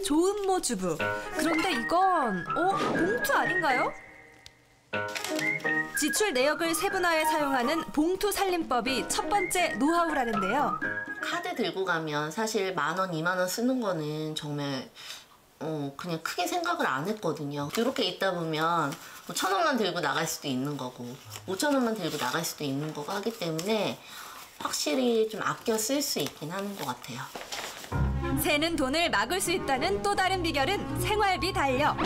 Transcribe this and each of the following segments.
조은모 주부. 그런데 이건 봉투 아닌가요? 지출 내역을 세분화해 사용하는 봉투 살림법이 첫 번째 노하우라는데요. 카드 들고 가면 사실 10,000원, 20,000원 쓰는 거는 정말 그냥 크게 생각을 안 했거든요. 이렇게 있다 보면 1,000원만 들고 나갈 수도 있는 거고 5,000원만 들고 나갈 수도 있는 거고 하기 때문에 확실히 좀 아껴 쓸 수 있긴 하는 것 같아요. 새는 돈을 막을 수 있다는 또 다른 비결은 생활비 달력.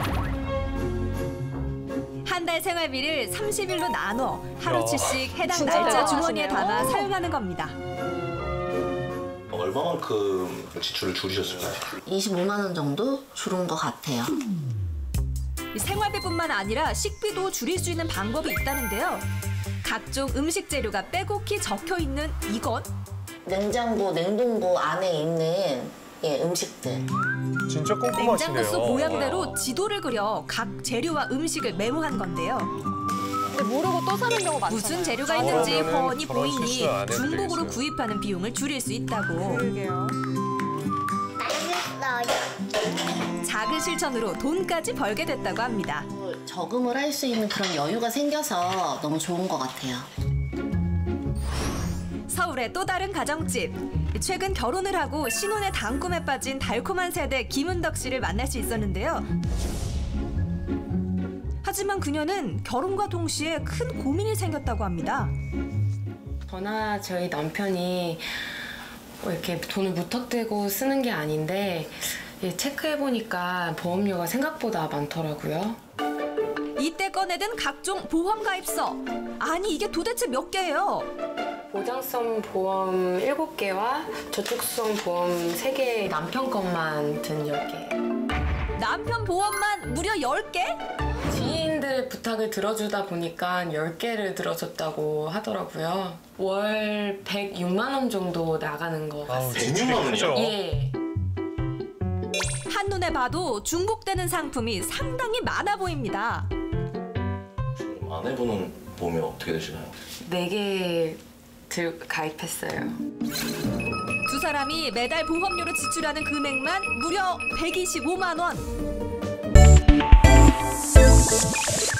한 달 생활비를 30일로 나눠 하루치씩 해당 날짜 주머니에 담아 사용하는 겁니다. 얼마만큼 지출을 줄이셨을까요? 25만 원 정도 줄은 것 같아요. 생활비뿐만 아니라 식비도 줄일 수 있는 방법이 있다는데요. 각종 음식 재료가 빼곡히 적혀 있는 이것. 냉장고, 냉동고 안에 있는 음식들. 진짜 꼼꼼하시네요. 냉장고 속 모양대로 지도를 그려 각 재료와 음식을 메모한 건데요. 근데 모르고 또 사는 경우 많잖아요. 무슨 재료가 있는지 훤히 저런 보이니 실수 안 해도 중복으로 되겠어요. 구입하는 비용을 줄일 수 있다고. 그러게요. 작은 실천으로 돈까지 벌게 됐다고 합니다. 저금을 할 수 있는 그런 여유가 생겨서 너무 좋은 것 같아요. 서울의 또 다른 가정집. 최근 결혼을 하고 신혼의 단꿈에 빠진 달콤한 세대 김은덕 씨를 만날 수 있었는데요. 하지만 그녀는 결혼과 동시에 큰 고민이 생겼다고 합니다. 저나 저희 남편이 이렇게 돈을 무턱대고 쓰는 게 아닌데 체크해보니까 보험료가 생각보다 많더라고요. 이때 꺼내든 각종 보험 가입서. 아니 이게 도대체 몇 개예요? 보장성 보험 7개와 저축성 보험 3개, 남편 것만 든 10개. 남편 보험만 무려 10개? 지인들의 부탁을 들어주다 보니까 10개를 들어줬다고 하더라고요. 월 106만 원 정도 나가는 거 같습니다. 106만 원이요? 예. 한눈에 봐도 중복되는 상품이 상당히 많아 보입니다. 지금 아내분은 보험이 어떻게 되시나요? 4개 가입했어요. 두 사람이 매달 보험료로 지출하는 금액만 무려 125만 원.